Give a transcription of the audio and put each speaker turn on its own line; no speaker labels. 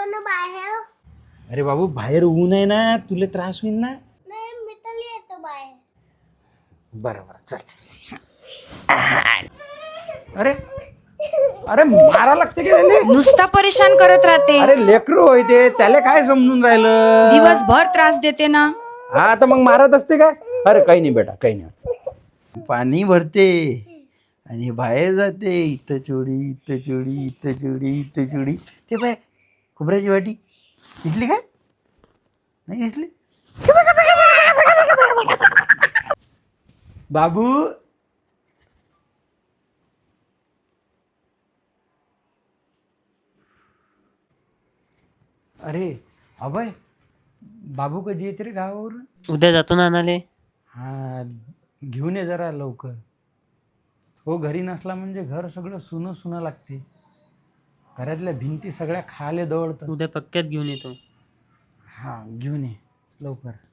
ना बाहेर.
अरे बाबू बाहेर ऊन आहे ना, तुला त्रास होईल ना.
नाही मी तर येतो बाहेर.
बरं चल. अरे अरे मारा लागते की त्याले?
नुसता परेशान करत राहते.
अरे लेकरू होय ते, त्याला काय समजून राहिलं.
दिवसभर त्रास देते ना.
हा तर मग मारत असते काय? अरे काही नाही बेटा, काही नाही. पाणी भरते आणि बाहेर जाते. इथं चोडी, इथं चोडी, इथं चोडी, इथं चोडी. ते पाय खोबऱ्याची वाटी दिसली काय? नाही दिसली. बाबू अरे अभय, बाबू कधी येते रे गावावरून?
उद्या जातो ना आणाले.
हा घेऊन ये जरा लवकर. हो घरी नसला म्हणजे घर सगळं सुनं सुनं लागते. घरातल्या भिंती सगळ्या खाले दवडतात.
उद्या पक्क्यात घेऊन येतो.
हा घेऊन ये लवकर.